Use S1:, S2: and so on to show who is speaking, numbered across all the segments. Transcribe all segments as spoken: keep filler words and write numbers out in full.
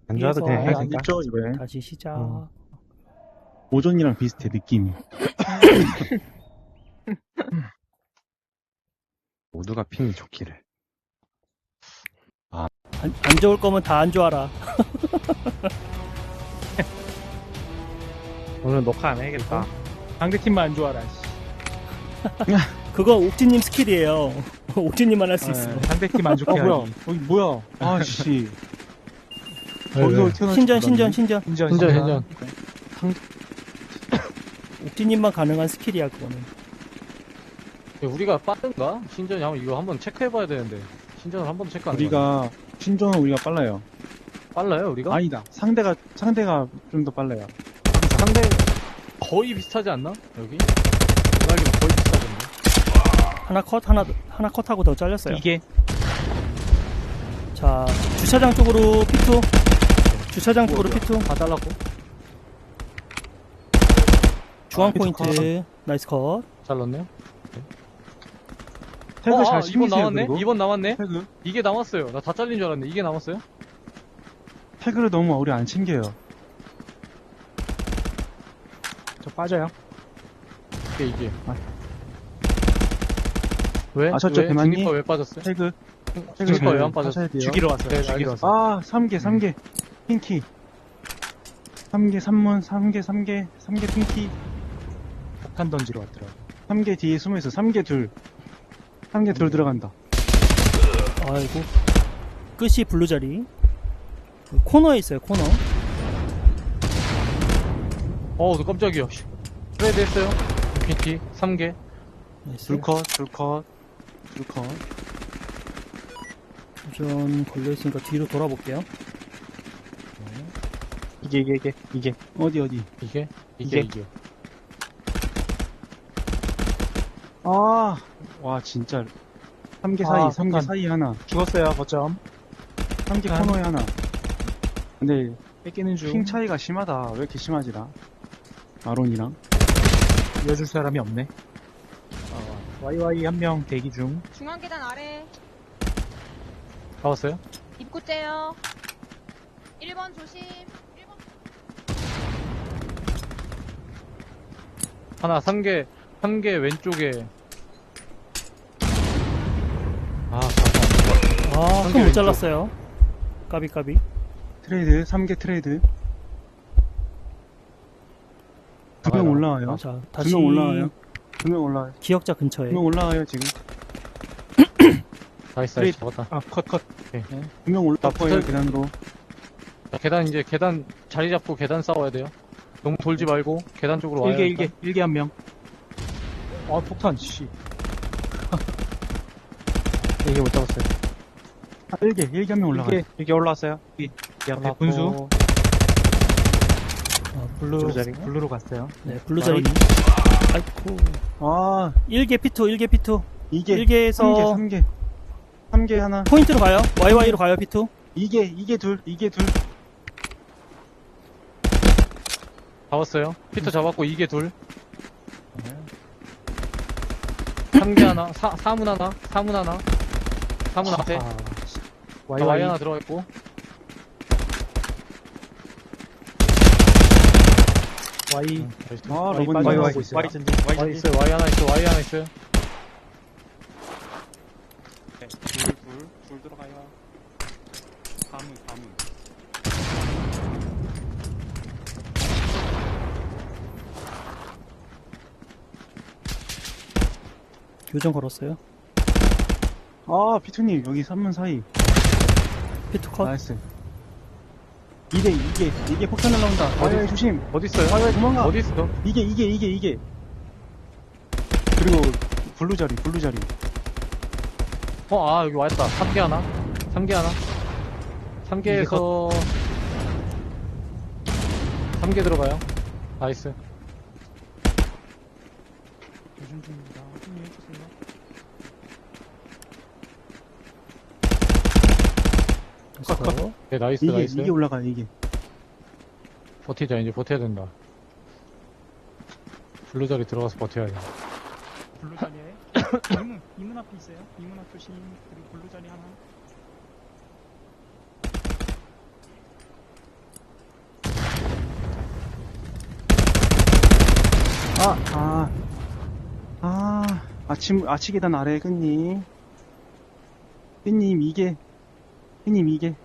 S1: 안 좋아도
S2: 삐에서
S1: 그냥
S3: 안
S1: 해야겠다.
S3: 있죠, 이번에.
S2: 다시 시작.
S1: 어.
S3: 오전이랑 비슷해, 느낌이.
S1: 모두가 핑이 좋기를.
S2: 안, 안 좋을 거면 다 안 좋아라.
S1: 오늘 녹화 안 해야겠다.
S4: 상대팀만 안 좋아라. 씨.
S2: 그건 옥진님 스킬이에요. 옥진님만 할 수 있어.
S4: 네, 상대팀 안 좋게
S3: 어, 뭐야.
S4: 하기.
S3: 여기 뭐야. 아씨.
S4: 네,
S3: 거기서
S4: 네.
S3: 튀어나올
S2: 신전,
S3: 줄
S2: 신전,
S3: 몰랐네.
S2: 신전.
S4: 신전,
S1: 신전,
S4: 신전.
S1: 신전.
S2: 옥진님만 가능한 스킬이야, 그거는.
S5: 우리가 빠른가? 신전이 한번 이거 한번 체크해봐야 되는데 신전을 한 번도 체크 안 해봤네.
S3: 우리가, 신전은 우리가 빨라요.
S5: 빨라요 우리가?
S3: 아니다. 상대가, 상대가 좀 더 빨라요.
S5: 상대 거의 비슷하지 않나? 여기? 내가 알기로 거의 비슷하던데.
S2: 하나 컷, 하나, 하나 컷하고 더 잘렸어요.
S4: 이게
S2: 자, 주차장 쪽으로 피투. 주차장 쪽으로
S5: 뭐야,
S2: 피투.
S5: 다 잘랐고
S2: 중앙
S3: 아, 피투
S2: 포인트. 나이스 컷.
S5: 잘랐네요.
S3: 태그
S5: 어,
S3: 잘
S5: 아,
S3: 챙기세요,
S5: 이번 나왔네?
S3: 그리고.
S5: 이번 나왔네?
S3: 태그.
S5: 이게 남았어요. 나 다 잘린 줄 알았는데 이게 남았어요?
S3: 태그를 너무 우리 안 챙겨요.
S4: 저 빠져요.
S5: 이게 이게
S3: 아.
S5: 왜?
S3: 아셨죠,
S5: 왜?
S3: 대만님?
S5: 중립화 왜 빠졌어요?
S3: 태그.
S5: 중립화
S3: 잘
S5: 왜 안 빠졌어?
S3: 하셔야 돼요.
S4: 죽이러 왔어요.
S5: 네,
S4: 죽이러
S5: 알겠어.
S4: 왔어요.
S3: 아, 삼 개, 삼 개. 핑키. 삼 개, 삼 문, 삼 개, 삼 개, 삼 개 핑키.
S4: 폭탄 던지러 왔더라고.
S3: 삼 개 뒤에 숨어있어. 삼 개 둘. 삼 개 둘 들어간다.
S2: 아이고. 끝이 블루 자리. 코너에 있어요, 코너.
S5: 어우 너 깜짝이야. 씨. 트레이드 했어요. 인피니티 삼 개.
S2: 나이스.
S3: 둘 컷, 둘 컷, 둘 컷.
S2: 우선 걸려있으니까 뒤로 돌아볼게요.
S4: 이게, 이게, 이게, 이게.
S3: 어디, 어디.
S5: 이게? 이게
S4: 이게.
S5: 이게.
S3: 아, 와, 진짜. 삼 개 사이,
S4: 아,
S3: 삼 개
S4: 폭탄.
S3: 사이 하나.
S4: 죽었어요, 거점.
S3: 삼 개
S4: 폭탄.
S3: 코너에 하나. 근데,
S4: 뺏기는 중.
S3: 핑 차이가 심하다. 왜 이렇게 심하지라? 아론이랑.
S4: 이어줄 사람이 없네. 와이와이 한 명 대기 중.
S6: 중앙 계단 아래
S5: 잡았어요?
S6: 입구째요. 일 번 조심. 일 번.
S5: 하나 삼 개, 삼 개 왼쪽에. 아, 잠깐.
S2: 아,
S5: 한개
S2: 큰 못
S5: 왼쪽.
S2: 잘랐어요. 까비, 까비.
S3: 트레이드, 삼 개 트레이드. 두 명
S5: 나가요.
S3: 올라와요.
S2: 자,
S3: 두
S2: 다시
S3: 명 올라와요. 두 명 올라와요.
S2: 기억자 근처에.
S3: 두 명 올라와요, 지금.
S5: 나이스, 나이스, 잡았다.
S4: 아, 컷, 컷.
S3: 두 명 올라올
S5: 나
S3: 거예요,
S5: 붙어-
S3: 계단으로.
S5: 자, 계단 이제 계단 자리 잡고 계단 싸워야 돼요. 너무 돌지 말고 계단 쪽으로 와요.
S4: 일개,
S5: 일단.
S4: 일개, 일개 한 명. 아, 폭탄, 씨.
S5: 이게 못 잡았어요.
S3: 아, 일 개, 일 개 한 명 올라가요.
S4: 일개, 일개 올라왔어요. 이, 이 앞에
S5: 올라왔고.
S4: 분수.
S2: 아, 블루.
S4: 블루 자리. 블루로 갔어요.
S2: 네, 블루 자리. 아이고.
S3: 아,
S2: 일 개 피투, 일 개 피투.
S3: 이 개.
S2: 일 개에서
S3: 삼 개, 삼 개. 삼 개 하나.
S2: 포인트로 가요. 와이와이로 가요, 피투.
S3: 이 개, 이 개 둘, 이 개 둘.
S5: 잡았어요. 피터 잡았고 이게 둘. 삼 개 하나, 사, 사문 하나, 사문 하나, 사문 앞에.
S4: 아,
S5: 와이
S4: 와이와이.
S5: 하나 들어가 있고.
S4: 와이.
S3: 아,
S4: 와이
S3: 로봇
S4: 빠져
S3: 와이,
S4: 나오고 있어요.
S3: 와이 전진, 와이
S5: 와이
S3: 전진.
S5: 있어요. 와이 하나 있어. 와이 하나 있어요.
S3: 둘, 둘, 둘 들어가요. 가문, 가문.
S2: 교정 걸었어요.
S3: 아, 피투님, 여기 삼 문 사이.
S2: 피투 컷.
S3: 나이스. 이 개, 이 개, 이 개 폭탄 날라온다.
S5: 어디?
S3: 와이, 조심.
S5: 어디 있어요?
S3: 와이, 와이, 도망가.
S5: 어디 있어?
S3: 이 개, 이 개, 이 개, 이 개. 그리고, 블루 자리, 블루 자리.
S5: 어, 아, 여기 왔다. 삼 개 하나. 삼 개 하나. 삼 개에서 삼 개 들어가요. 나이스.
S4: 교전 중입니다. 힘내주세요.
S2: 컷.
S5: 네, 나이스,
S3: 이 개,
S5: 나이스.
S3: 이 개 올라가요, 이 개.
S5: 버티자, 이제 버텨야 된다. 블루 자리 들어가서 버텨야 돼.
S4: 블루 자리에. 이문, 이문 앞에 있어요. 이문 앞 조심. 그리고 블루 자리 하나.
S3: 아, 아, 아, 아침, 아치 계단 아래 끈님. 끈님 이게, 끈님 이게.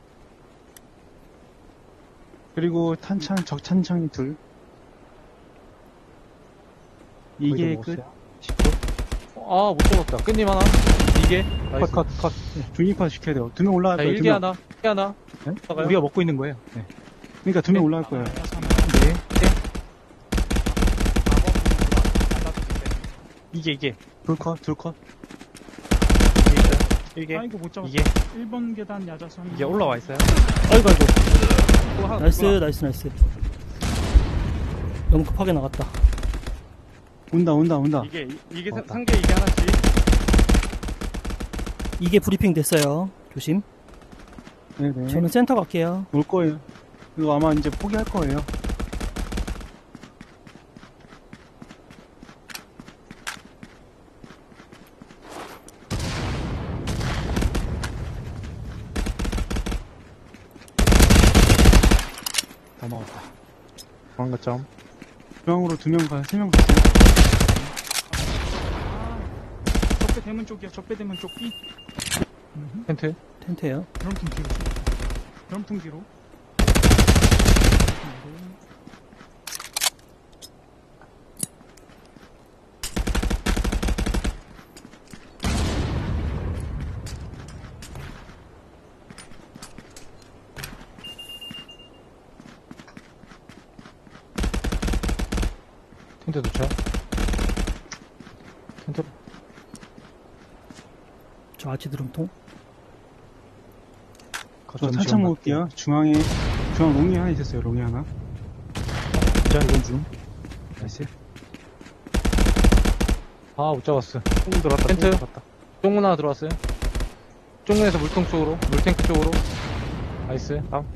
S3: 그리고 탄창, 적탄창이 둘. 이게 끝.
S5: 아, 못 잡았다. 끝님 하나. 이게.
S3: 컷, 컷, 컷. 중립화 시켜야 돼요. 두 명 올라갈
S5: 자,
S3: 거예요. 두
S5: 일개
S3: 명.
S5: 하나. 일개 하나.
S3: 네?
S5: 나가요?
S4: 우리가 먹고 있는 거예요. 네.
S3: 그러니까 두 명
S5: 네.
S3: 올라갈 거예요.
S4: 네.
S3: 이게, 이게. 둘 컷, 둘 컷.
S1: 이게
S3: 아이고, 못 잡았어.
S1: 이게
S3: 일 번 계단 야자수 한
S1: 이게 올라와 있어요.
S2: 아이고, 아이고.
S1: 또 하나
S2: 나이스,
S1: 누구나.
S2: 나이스, 나이스. 너무 급하게 나갔다.
S3: 온다, 온다, 온다.
S1: 이게 이- 이게
S3: 맞다.
S1: 상계 이게 하나씩.
S2: 이게 브리핑 됐어요. 조심.
S3: 네네.
S2: 저는 센터 갈게요.
S3: 올 거예요. 이거 아마 이제 포기할 거예요.
S1: 다 먹었다. 도망가 점.
S3: 중앙으로 두 명 가요. 세 명 갔어요. 적배 대문 쪽이야. 적배 대문 쪽 B.
S5: 텐트.
S2: 텐트에요.
S3: 드럼통 뒤로. 드럼통 뒤로.
S5: 텐트 도착. 텐트.
S2: 저 아치 드럼통.
S3: 저 탄창 먹을게요. 중앙에, 중앙 롱이 하나 있었어요. 롱이 하나.
S1: 자 이건 중.
S3: 나이스.
S5: 아, 못 잡았어.
S1: 총 들어왔다.
S5: 텐트.
S1: 총 들어왔다.
S5: 쪽문 하나 들어왔어요. 쪽문에서 물통 쪽으로. 물탱크 쪽으로. 나이스. 다음.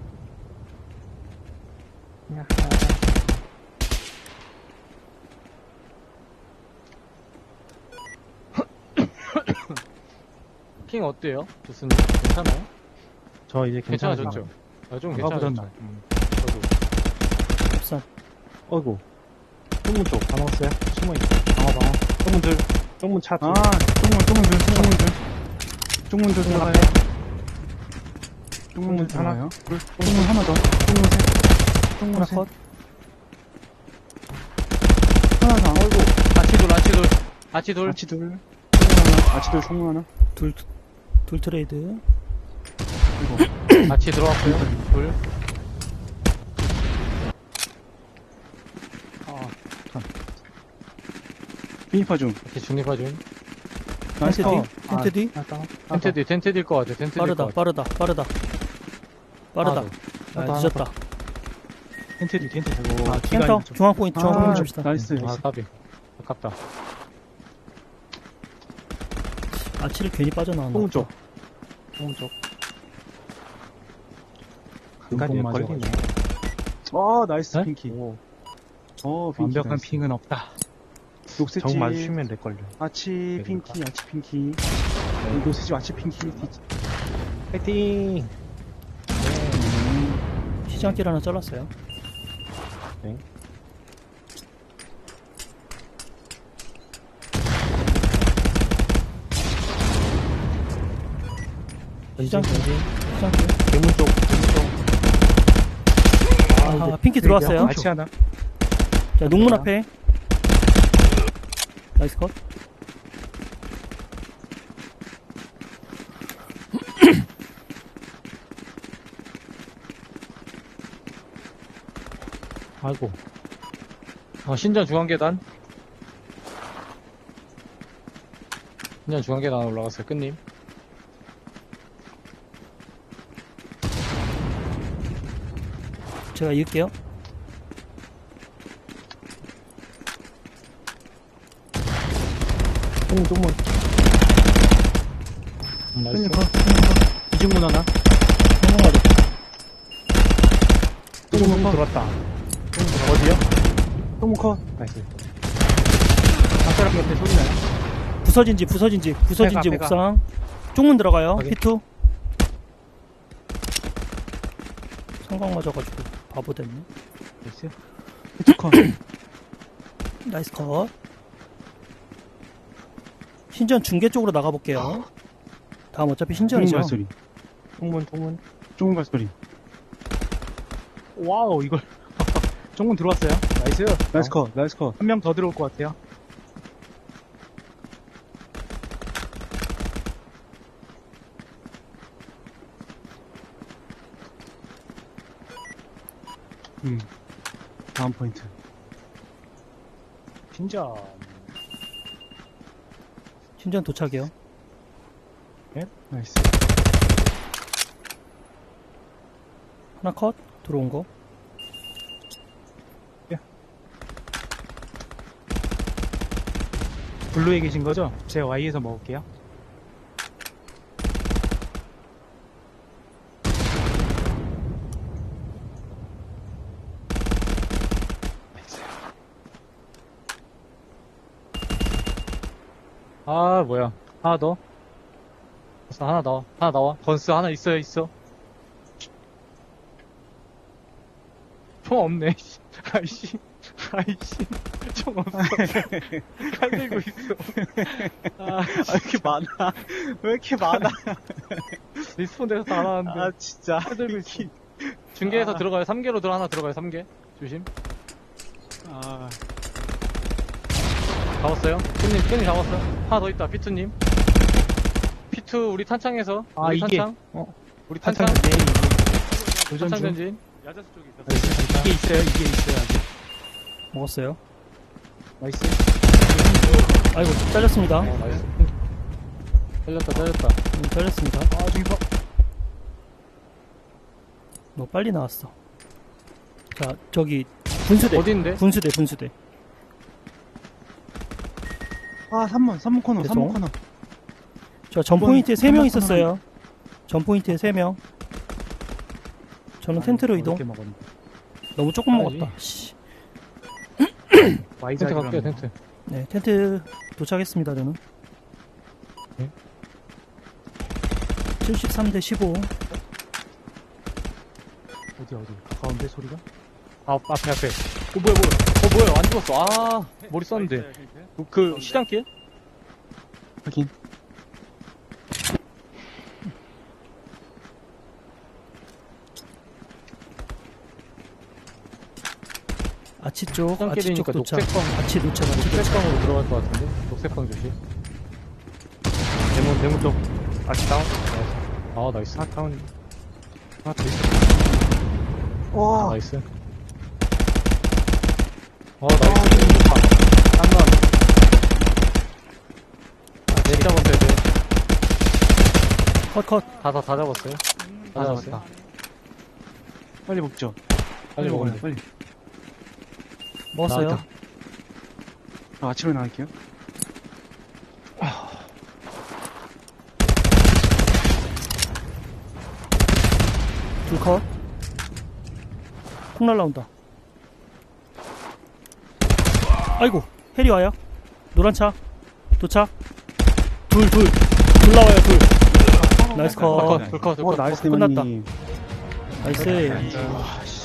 S5: 핑 어때요? 좋습니다. 괜찮아요?
S1: 저 이제
S5: 괜찮아졌죠? 아, 좀 괜찮아졌죠?
S1: 아까보단
S5: 음, 저도.
S2: 흡산.
S1: 어이구. 쪽문 쪽 다 먹었어요. 숨어있어. 방어 방어. 쪽문 들. 쪽문 차 들.
S3: 아, 쪽문, 쪽문 들, 쪽문 들. 쪽문 들 들어가요. 쪽문 들
S1: 하나.
S3: 들어가요. 쪽문 하나 더. 쪽문 셋. 쪽문
S2: 하나
S3: 셋.
S2: 컷.
S3: 하나 더. 아이고.
S5: 아치돌, 아치돌. 아치돌.
S3: 아치 둘. 총문 하나. 아치 둘, 총문 하나.
S2: 둘, 둘 트레이드.
S5: 아치 들어왔고요. 둘.
S3: 비니파 중.
S5: 이렇게 중립화 중.
S3: 나이스
S2: 텐트
S3: 컷.
S2: 뒤. 텐트 뒤.
S5: 텐트 뒤, 텐트 뒤일 것 같아. 텐트 뒤일
S2: 빠르다,
S5: 것 같아.
S2: 빠르다, 빠르다. 빠르다.
S5: 하나
S2: 아,
S1: 하나
S2: 늦었다.
S4: 텐트 뒤, 텐트 뒤.
S3: 아, 기가
S2: 센터,
S3: 있죠.
S2: 중앙 포인트, 중앙
S3: 아,
S2: 포인트 줍시다.
S3: 나이스.
S5: 아, 까비. 아깝다.
S2: 아치를 괜히 빠져나왔나.
S1: 쪽문 쪽. 쪽문 쪽. 간간히
S4: 맞아.
S1: 걸리네.
S3: 어, 나이스
S5: 네?
S3: 핑키.
S1: 오.
S3: 어, 핑키.
S4: 완벽한
S3: 나이스.
S4: 핑은 없다.
S3: 녹색
S1: 정
S3: 집.
S1: 마주치면 내 걸려.
S3: 아치
S1: 그러니까.
S3: 핑키, 아치 핑키. 녹색 집 아치 핑키. 뒤-
S1: 파이팅.
S2: 시장길 하나 잘랐어요. 시장길, 시장길.
S1: 대문 쪽. 대문 쪽.
S2: 아, 핑키 들어왔어요.
S1: 아치 하나.
S2: 자, 농문 앞에. 나이스 컷.
S5: 아이고. 어, 신전 중앙계단. 신전 중앙계단 올라갔어요. 끝님.
S2: 제가 이을게요.
S1: 쪽문 쪽문.
S5: 음, 나이스.
S4: 이중문 하나.
S2: 성공하죠.
S1: 쪽문 들어왔다. 어디요?
S3: 똥 컷.
S1: 나이스.
S5: 박사람 옆에 소리 나요?
S2: 부서진지, 부서진지, 부서진지
S1: 빼가,
S2: 옥상. 쪽문 들어가요.
S5: 확인.
S2: 피투. 성광 맞아가지고 바보 됐네.
S3: 나이스. 히트 컷.
S2: 나이스 컷. 신전 중계 쪽으로 나가볼게요. 다음 어차피
S3: 좁은
S2: 신전이죠.
S3: 발소리.
S1: 통문, 통문.
S3: 좁은 발소리.
S1: 와우, 이걸. 정문 들어왔어요. 나이스.
S3: 나이스 컷, 나이스 컷.
S1: 한 명 더 들어올 것 같아요.
S3: 음. 다음 포인트.
S1: 신전.
S2: 신전 도착이요.
S3: 나이스.
S2: 하나 컷. 들어온 거.
S1: 블루에 계신 거죠? 제가 Y에서 먹을게요.
S5: 아, 뭐야. 하나 더. 벌써 하나 나와. 하나 나와. 건스 하나 있어요, 있어. 총 없네, 씨. 아이씨. 아이씨. 총 없어. 칼 들고 있어. 아,
S1: 아, 왜 이렇게 많아? 왜 이렇게 많아?
S5: 리스폰 돼서 다 나왔는데.
S1: 아, 진짜.
S5: 칼 들고 있어. 중계에서
S1: 아.
S5: 들어가요. 삼 개로 들어, 하나 들어가요, 삼 개. 조심.
S1: 아,
S5: 잡았어요. 끈님, 끈님 잡았어. 하나 더 있다, 피투님. 피투, 우리 탄창에서.
S1: 아,
S5: 우리
S1: 이게.
S5: 탄창.
S1: 어,
S5: 우리 탄창.
S1: 탄창 네, 이게. 도전
S5: 탄창
S1: 중.
S5: 전진.
S1: 야자수 쪽에 있었어요. 이게 있어요, 이게 있어요, 아직.
S2: 먹었어요.
S1: 나이스.
S2: 아이고, 잘렸습니다.
S5: 어, 나이스. 잘렸다, 잘렸다.
S2: 음, 잘렸습니다.
S1: 아, 저기 봐.
S2: 너 빨리 나왔어. 자, 저기, 분수대.
S5: 어딘데?
S2: 분수대, 분수대.
S3: 아, 삼 번, 삼 번 코너, 삼 번
S2: 됐어.
S3: 코너.
S2: 저 전
S3: 이번
S2: 포인트에 세 명
S3: 한번
S2: 있었어요. 전 포인트에 세 명. 저는 텐트로 이동.
S1: 이렇게 먹었는데.
S2: 너무 조금
S5: 가야지.
S2: 먹었다. 씨.
S1: Y자
S5: 텐트 갈게요, 텐트.
S2: 네, 텐트 도착했습니다, 저는.
S5: 네.
S2: 칠십삼 대 십오.
S1: 어디, 어디. 가까운데, 소리가?
S5: 아, 앞에, 앞에. 어, 뭐야, 뭐야. 어, 뭐야. 안 죽었어. 아, 머리 썼는데. 그, 시장길?
S3: 확인.
S2: 아치 쪽, 아치 쪽
S5: 시장길이니까
S2: 도착.
S5: 녹색방,
S2: 아치 도착, 아치 도착.
S5: 녹색방으로 들어갈 것 같은데? 녹색방 조심.
S1: 대문, 대문 쪽. 아직 다운.
S5: 아, 나이스.
S1: 아, 다운. 아, 더 있어.
S5: 아, 나이스. 아, 나이스.
S1: 딴
S5: 아, 네, 잡았어요, 네.
S2: 컷, 컷.
S5: 다, 다, 다 잡았어요. 다 잡았어요.
S1: 잡았다.
S3: 빨리 먹죠.
S5: 빨리 먹어야 돼.
S3: 빨리.
S2: 먹었어요.
S5: 나왔다.
S3: 아, 아침에 나갈게요.
S2: 둘 컷. 콩 날라온다. 아이고, 해리 와요. 노란 차. 도착. 둘, 둘. 둘 나와요, 둘. 나이스 컷.
S5: 불 컷, 불 컷, 불
S3: 오,
S5: 컷.
S3: 나이스,
S2: 끝났다.
S3: 대만님.
S2: 나이스.
S3: 와, 씨.